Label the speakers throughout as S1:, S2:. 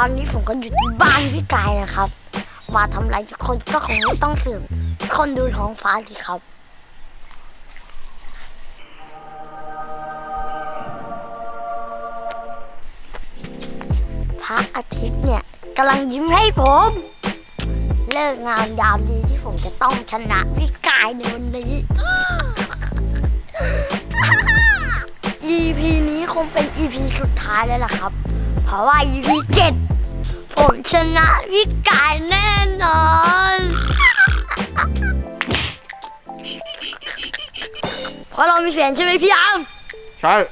S1: อนนี้ผมก็อยู่ที่บ้านพี่กายนะครับมาทำอะไรทุกคนก็คงไม่ต้องสืบคนดูท้องฟ้าสิครับพระอาทิตย์เนี่ยกำลังยิ้มให้ผมเลิกงามยามดีที่ผมจะต้องชนะพี่กายในวันนี้ EP นี้คงเป็น EP สุดท้ายแล้วล่ะครับเพราะว่า EP 7ผมชนะพี่กายแน่นอนเพราะเรามีแฟนใช่ไหมพี่อัม
S2: ใช่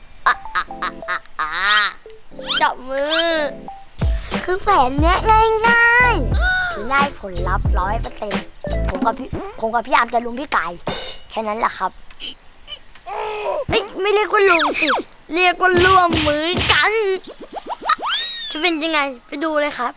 S1: จับมือคือแผนเนี้ยง่ายๆคือได้ผลลัพธ์100%ผมกับพี่อาร์มจะลุมพี่ไก่แค่นั้นแหละครับไม่เรียกว่าลุมสิเรียกว่าร่วมมือกันจะเป็นยังไงไปดูเลยครับ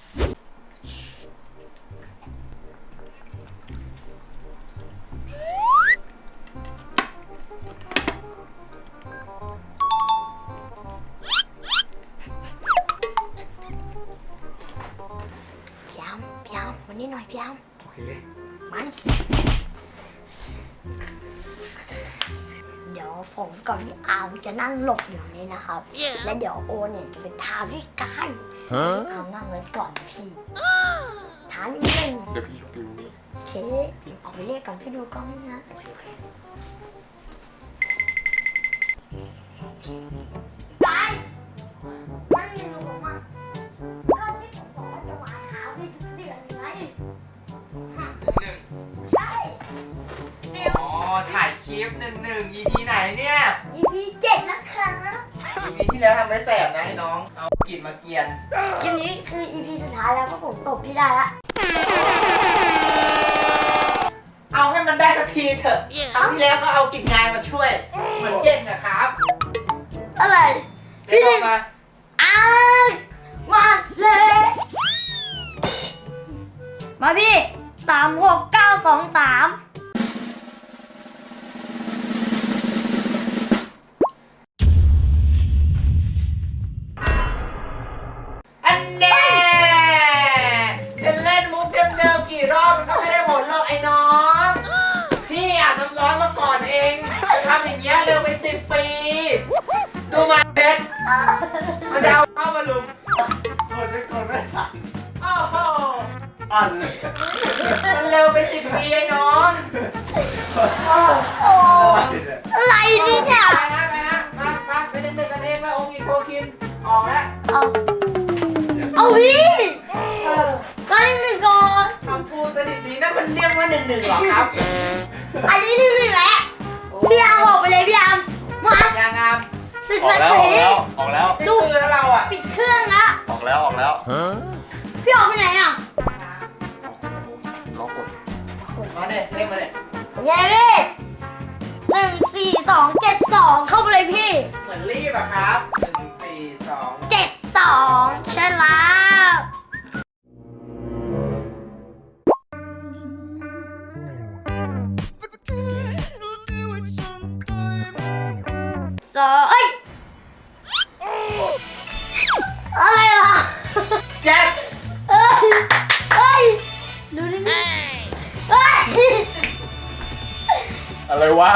S1: พี่อาร์มมานี่หน่อยพี่อาร์ม
S2: โอเค
S1: มันเดี๋ยวผมกับพี่อาร์มจะนั่งหลบอยู่นี่นะครับ และเดี๋ยวโอเนี่ยจะไปท้าพี่กายเอานั่งไว้ก่อนพี่ท้านิดนึง
S2: เดี๋ยวพี่หลบอยู่นี่
S1: โอเคออกไปเรียกก่อนพี่ดูกล้องนะกายนั่งอยู่ผมอ่ะก็ที่ผมบอกว่าจะวางขาพี่ทุกเดือนไงใช่เดี๋ยว
S3: อ๋อถ่ายคลิป1 EP ไหนเนี่ย
S1: EP 7นะคะ
S3: EP ที่แล้วทำไว้แสบนะไอ้น้อง เอากลิ่นมาเกียน
S1: คลิปนี้คือ EP สุดท้ายแล้วเพราะผมตบพี่ได้ละ
S3: เอาให้มันได้สักทีเถอะครั้งที่แล้วก็เอากลิ่นงายมาช่วย เหมือนเก่งอะครับ
S1: อะไร
S3: พี่ลงมา
S1: อ้าวมาเลยมาพี่36923
S3: อันแน่จะเล่นมุกเดิมๆกี่รอบมันก็ไม่ได้ผลหรอกไอ้น้อง พี่อาบน้ำร้อนมาก่อนเองทำอย่างเงี้ยเร็วไป10 ปี ดูมาเพชรมันจะเอาเข้ามาลุมกดไม่โอ้โห
S2: อันเลย
S3: มันเร็วไป10 ปีไอ้น้อง
S1: โอ้อะไรนี่เนี่ย
S3: ไปฮะมาไปเล่นกันเองมาองค์อีโคคินออกแล้ว
S1: เอาพี่มาหนึ่งก่อน
S3: คำพูดสนิทดีนะมันเรียกว่า1-1หรอครับ
S1: อันนี้หนึ่งแหละพี่อาร์มออกไปเลยพี่อาร์มมา
S3: ยังงาม
S1: สุด
S2: ออ
S1: ท้าก ย
S2: แล้วออกแล้ว
S3: ดูแล้วเราอ่ะ
S1: ปิดเครื่องละ
S2: ออกแล้ว
S1: พี่ออกไปไหนอ่ะ
S2: รอกด
S3: มาเนี่ยเล่นมาเนี่ย
S1: เย้พี่14272เข้าไปเลยพี่
S3: เหมือนรีบอะครับ1 4 2
S1: 72ใช่แล้วเอ้ยอะไรล่ะ
S3: แจ็ค
S1: เอ้ยดูดิเอ้ย
S2: อะไรวะ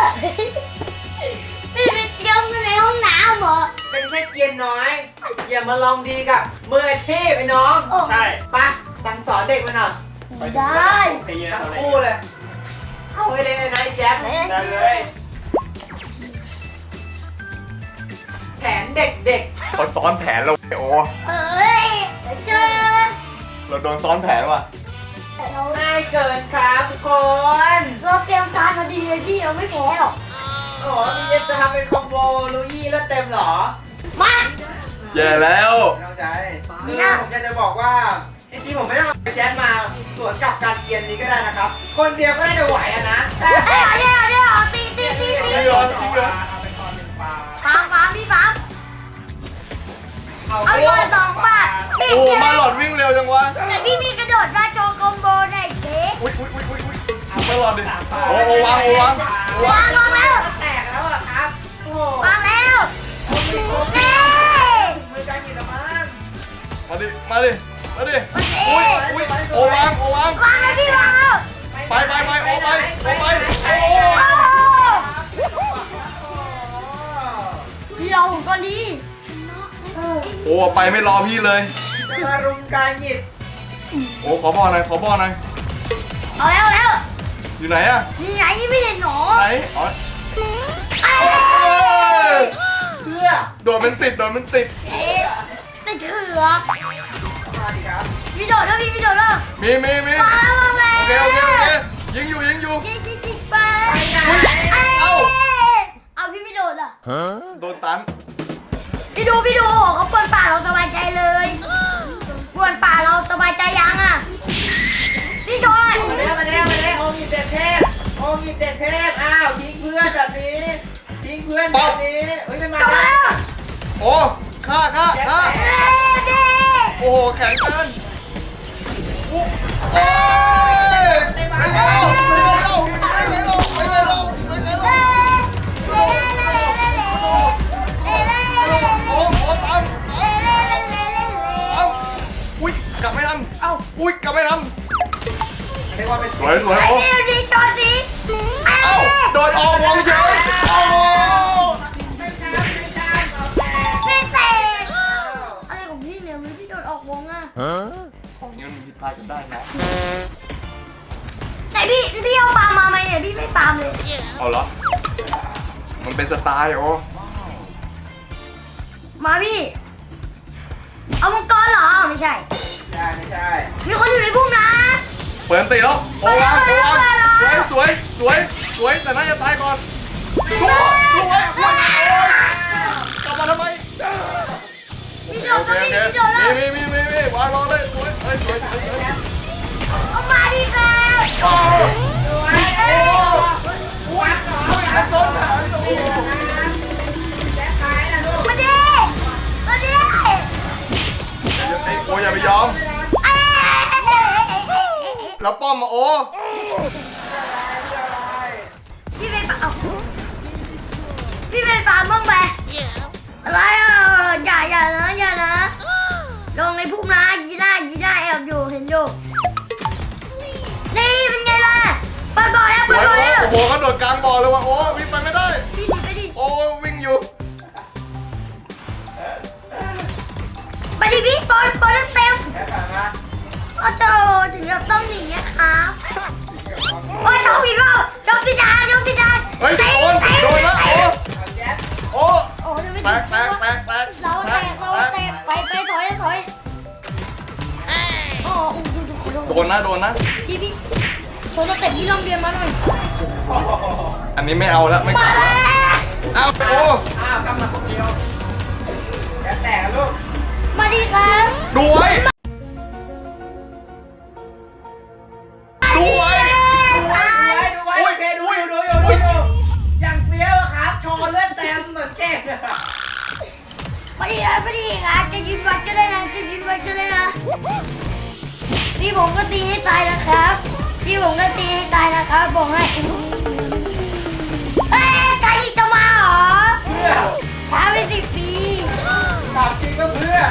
S1: พี่ไปเตรียมกันในห้องน้ำเหรอ
S3: เป็นแค่เกียร์น้อย อย่ามาลองดีกับมืออาชีพไอ้น้อง
S2: ใช่
S3: ปะสั่งสอนเด็กมาหน่อย
S1: ได้
S3: ทั้งคู่เลยเอาไว้เลยนะไอ้แจ็ค
S2: ได้เลย
S3: แผนเด็ก
S2: เขาซ้อนแผนเราโอ
S1: เอ้ยเจอ
S2: เราโดนซ้อนแผนว่ะ
S3: ๆง่ายเกินครับทุกคน
S1: เราเตรียมการมาดีเลยพี่เราไม่แพ้หรอก
S3: โอ้โหพี่จะทำเป็นคอมโบลูยี่แล้วเต็มเหรอ
S1: มา
S2: แย่แล้ว
S3: ไม่เข้าใจคือผมอยากจะบอกว่าจริงๆผมไม่ต้องเอาไปแจ๊สมาสวนกับการเกียนนี้ก็ได้นะครับ คนเดียวก็น่าจะไหวอะนะแต่
S1: เดี๋ยวตี
S2: จริงเหรอ
S3: เอาไปตอน1 ปา
S1: ฟังพี่ฟังเอาโยน2 บาทพี่
S2: โอ้มาหลอดวิ่งเร็วจังวะ
S1: แต่พี่มีกระโดดมาโชว์คอมโบในเค้ก
S2: อุ้ยมาหลอดดิโอ้วาง
S1: วางแล้ว
S3: แตกแล้วอะครับโอ้โห
S1: วางแล้ว
S3: โอ้โห
S1: เน่
S3: มือการกินละมั้ง
S1: รอผมก่อนดี
S2: โอ้ไปไม่รอพี่เลย
S3: จะมารุมการหยิบ
S2: โอ้ขอบอกหน่อยขอบอกหน่อย
S1: เอาแล้วเอาแล้ว
S2: อยู่ไหนอะ
S1: นี่ไงไม่เห็นหนอ
S2: ไหนอ๋อ
S1: เอ้ย
S3: เพื่อ
S2: โดนมันติดโดนมันติด
S1: เอ๊ะติดเขือ
S3: มาดิครับ
S1: พี่โดดแล้วพี่โดดแล้ว
S2: มี
S1: มาแล้วมาแล้ว
S2: โอเคยิงอยู่
S1: ยิงไป
S3: ไปไหน
S1: เอ้ย
S2: เอ้า
S1: เอาพี่ไม่โดดอ่ะ
S2: โดนตัน
S1: พี่ดูเขาเปิดป่าเราสบายใจเลยเปิดป่าเราสบายใจยังอ่ะพี่ชอย
S3: มาแล้วโอมีเด็ดเทพโอมีเด็ดเทพอ้าวทิ้งเพื่อนแบบนี้ทิ้งเพื่อนแบบนี้เฮ้ยไม่มาก
S1: ลับมา
S3: แล้
S1: แล้ว ว
S2: โอ้ฆ่า
S1: เอ้ยเด้
S2: โอ้โหแข็งเกินอู้เอ้ยไม่ได้เราโอ้ตันอุ้ยกลับไม่ทันอุ้ยกลับไม่ทัน
S3: เรียกว่าเป็น
S2: สวยโอ้
S1: ไอ้ดีจอสิ
S2: เอ้าโดนออกวงเฉยโอ้
S3: ไม่ใช่เอาแต่
S1: ไม่เตะอะไรของพี่เนี่ยมันพี่โดดออกวงอ่ะ
S2: ของนี้มันผิดพลาดกันได้นะ
S1: แต่พี่เอาฟาร์มมาไหมเนี่ยพี่ไม่ฟาร์มเลย
S2: เอาเหรอมันเป็นสไตล์โอ้
S1: มาพี่ เอามังกรเหรอไม่ใช่
S3: ไม่ใช่
S1: มีคนอยู่ในพุ่มนะ
S2: เปิดตีแล้วโอ้วางสวยแต่น่าจะตายก่อนดูไว้กลับมาทำไม
S1: พี่โดดก็มีพี่โดดแล้ว
S2: มีวางรอเลยสวย
S1: เอามาดิค่ะ
S2: โอ้
S3: สวย
S2: อุ้ยต้นหางโอ้
S3: แจ็คขายนะลูก
S1: มาดิมาดิ
S2: โอ้อย่าไปยอมแล้วป้อมมาโอ้
S1: พี่ไปฟาร์มพี่ไปฟาร์มบ้างไหมอะไรอ่ะอย่านะลงในพุ่มนะยีน่าแอบอยู่เห็นอยู่นี่เป็นไงล่ะเปิดบ่อแล้ว
S2: โอ้โหเขาโดดกลางบ่อเลยว่ะโอ้วิ่งไปไม่ได้
S1: พี่หนีไปดิ
S2: โอ้วิ่งอยู่
S1: ไปดิพี่บอลเต็ม
S3: แจ็คขายมา
S1: โอ้โหถึงเราต้องหนีนะครับโอ้ยชอบผิดเปล่าชอบผิดจาน
S2: เฮ้ยโดนแล้ว
S3: แจ็ค
S2: โอ้
S1: โอ้ย
S2: แตก
S1: เราแตกไปถอยโอ้
S2: โดนนะ
S1: พี่โชว์สเต็ปที่โรงเรียนมาหน่อย
S2: อันนี้ไม่เอาแล้วไม่
S1: มาแล้ว
S2: เอาโอ้
S3: อ้าวกำลังคนเดียวแจ็คแตกลูก
S1: มาดีครับ
S2: ด้วย
S3: ดูไว้โอเคดูอย่างเฟี้ยวอะครับโชว์เลือดเต็มเหมือนเก่ง
S1: มาดีครับจะยืนวัดก็ได้นะพี่ผมก็ตีให้ตายนะครับบอกให้ไก่จะมาเหรอ
S3: เพื่อ
S1: ช้าไป10 ปี
S3: ตอบจริงก็เพื่อ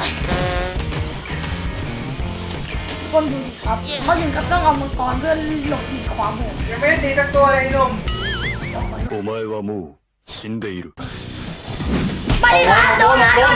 S1: คนดูดิครับเขาถึงกับต้องเอามังกรเพื่อหลบหลีกความโหด
S3: ยังไม่ได้ตีสักตัวเลยไอ้หนุ่ม
S4: お前はもう死んでいる。
S1: มาดิครับโดนนะ
S2: มา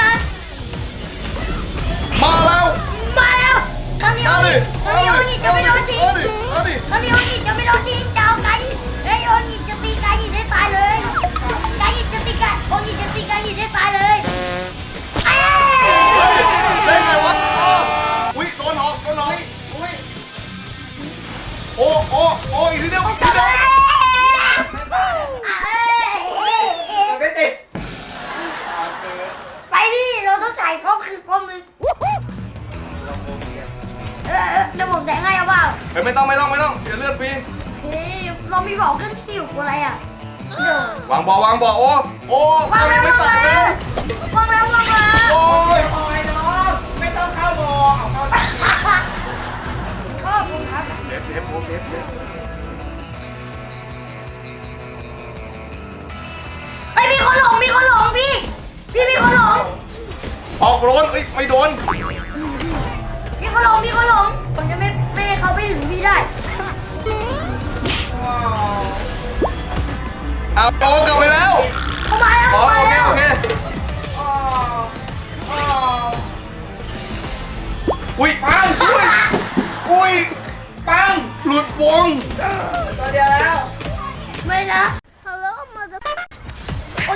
S2: แล้ว
S1: คามิโอนิจะไม่โดนทิ้ง
S2: เอาดิ
S1: คามิโอนิจะไม่โดนทิ้งเจ้าไก่เฮ้ยโอนิจะตีไก่ให้ตายเลยไก่จะตีไก่โอนิจะตีไก่ให้ตายเลยเอ้ย
S2: ได้ไงวะอุ้ยโดนหอก
S3: อุ้ย
S2: โอ้อีกทีเดียว
S1: ไม่
S3: ไม่ติด
S1: ไปดิเราต้องใส่ป้อมคือป้อมนึงเดี๋ยวผมแต่งให้เอาเปล่า
S2: เฮ้ยไม่ต้องเสียเลือดฟรี
S1: เฮ้ยเรามีบอกขึ้นคิวอะไรอ่ะเดี๋ยว
S2: วางบ่อโอ้
S1: วาง
S2: ทำไม
S1: แล้ว
S2: ไม่ตัดเลย
S1: วางแล้ว
S2: โอ้ย
S3: โอ้ยน้องไม่ต้องเข้าโบเอาเข้า
S1: ขอบคุณครับ
S2: เซฟโอเคเซฟ
S1: ไอ้ยมีคนหลงพี่มีคนหลง
S2: ออกโดนไม่โดน
S1: มีคนหลงผมจะไม่ให้เขาไปถึงพี่ได้
S2: เอาโดนกลับไปแล้ว
S1: เขามาแล้ว
S2: โอเค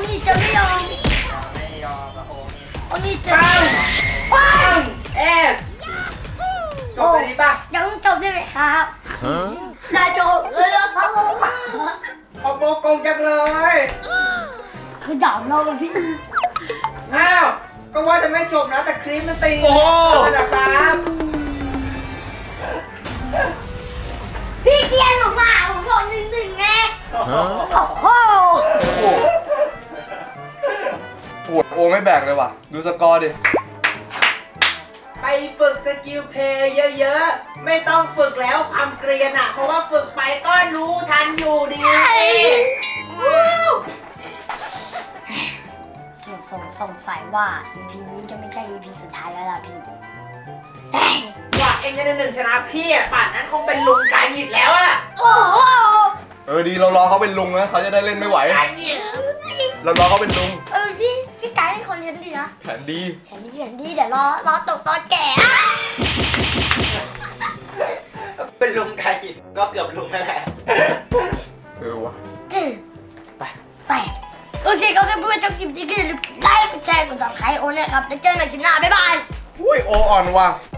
S1: นี้จะไม่ยอม
S3: ไม่ยอมอะโอ้
S1: โอ้นี่จะว้าย
S3: เอสจบไปดีป่ะ
S1: ยังจบได้ไหมครับจะจบเลยแล้วครับ
S3: ขอบโมกงจังเลย
S1: คือด่าเราพี่
S3: อ้าว ก็ว่าจะไม่จบนะแต่คลิปมันตี
S2: โอ้โห
S3: นะครับ
S1: พี่เกียร์หนูมาผมโดน1-1ไงโอ้โห
S2: โอ้โหปวดโอไม่แบกเลยว่ะ ดูสกอร์ดิ
S3: ไปฝึกสกิลเพลย์เยอะๆ ไม่ต้องฝึกแล้วความเกรียนอ่ะ เพราะว่าฝึกไปก็รู้ทันอยู่ดี
S1: สงสัยว่า EP นี้จะไม่ใช่ EP สุดท้ายแล้วล่ะพี่
S3: ว่าเองจะได้1ชนะพี่อ่ะป่านนั้นคงเป็นลุงกายหงิดแล้วอ่ะ
S1: โอ้โห
S2: ดีเรารอเขาเป็นลุงนะเขาจะได้เล่นไม่ไหว
S3: กายหงิด
S2: เรารอเขาเป็นลุง
S1: พี่กายเป็นคนเลี้ยงดีนะ
S2: แผนดี
S1: แถมดีเดี๋ยวรอตกตอนแก่
S3: เป็นลุงกายหงิดก็เกือบลุงนั่นแหละ
S2: วะ
S1: ไปโอเคครับเพื่อนๆชอบคลิปนี้ก็อย่าลืมไลค์กดแชร์กด subscribe โอ้เนี่ยครับแล้วเจอกันใหม่คลิปหน้าบ๊ายบาย
S2: อุ้ยโออ่อนว่ะ